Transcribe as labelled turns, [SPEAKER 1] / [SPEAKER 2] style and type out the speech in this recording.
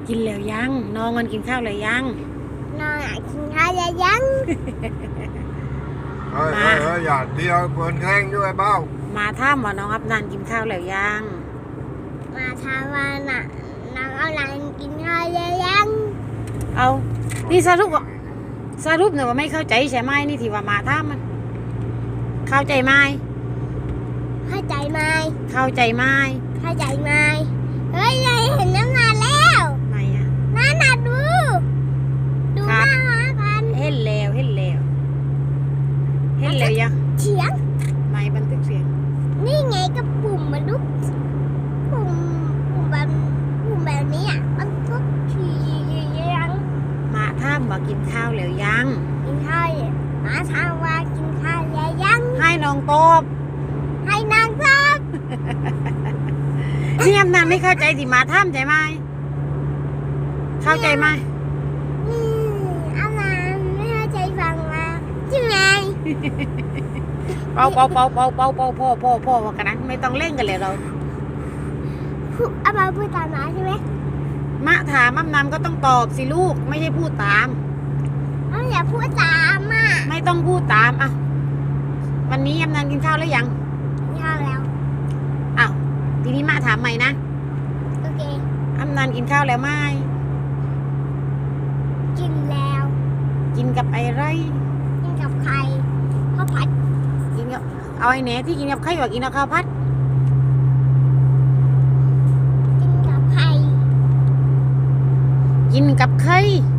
[SPEAKER 1] กินแล้วยังน้องมันกินข้าวแล้วยัง
[SPEAKER 2] น้องกินข้าวแล้วยัง
[SPEAKER 3] เฮ้ยอย่าเดียวเปิดแข้งด้วยเบ้า
[SPEAKER 1] มาถามว่าน้องอับนันกินข้าวแล้วยัง
[SPEAKER 2] มาถามว่าน่ะน้องอับนันกินข้าวแล้วยัง
[SPEAKER 1] เอานี่สรุปเนี่ยว่าไม่เข้าใจใช่ไหมนี่ที่ว่ามาถามมันเข้าใจไหม
[SPEAKER 2] เข้าใจไหม
[SPEAKER 1] เข้าใจไหม
[SPEAKER 2] เข้าใจไหมเฮ้ยยายเห็นน้ำงานแล้ว
[SPEAKER 1] ไหนอ่ะ
[SPEAKER 2] นั่นน่ะดูหน้ามากัน
[SPEAKER 1] เห็นแล้วยัง
[SPEAKER 2] เสียง
[SPEAKER 1] ไม่บันทึกเสียง
[SPEAKER 2] นี่ไงก็ปุ่มมันลุกปุ่มแบบนี้อ่ะมันทุกทียัง
[SPEAKER 1] มาถามว่ากินข้าวแล้วยัง
[SPEAKER 2] กินข้าวมาถามว่ากินข้าวแล้วยัง
[SPEAKER 1] ให้น้องตอบ
[SPEAKER 2] ให้นางตอบ
[SPEAKER 1] นี่อับนันไม่เข้าใจที่มาถามใช่ไหมเข้าใจไหม
[SPEAKER 2] อับนันไม่เข้าใจฟังมาใช่ไหม
[SPEAKER 1] เป่าพ่อกันนะไม่ต้องเล่นกันเลยเรา
[SPEAKER 2] อับนันพูดตามมาใช่ไหม
[SPEAKER 1] มะถามอับนันก็ต้องตอบสิลูกไม่ใช่พูดตาม
[SPEAKER 2] อย่าพูดตามอ่ะ
[SPEAKER 1] ไม่ต้องพูดตามอ่ะวันนี้อับนันกินข้าวแล้วยัง
[SPEAKER 2] กินข้าวแล้ว
[SPEAKER 1] อ้าวทีนี้มะถามใหม่นะ
[SPEAKER 2] โอเค
[SPEAKER 1] อับนันกินข้าวแล้วไหม
[SPEAKER 2] กินแล้ว
[SPEAKER 1] กินกับอะไร
[SPEAKER 2] กินกับไข่ข้าวผัด
[SPEAKER 1] กินกับเอาไอ้แหนที่กินกับไข่ว่ากินกับข้าวผัด
[SPEAKER 2] กินกับไข่
[SPEAKER 1] กินกับไข่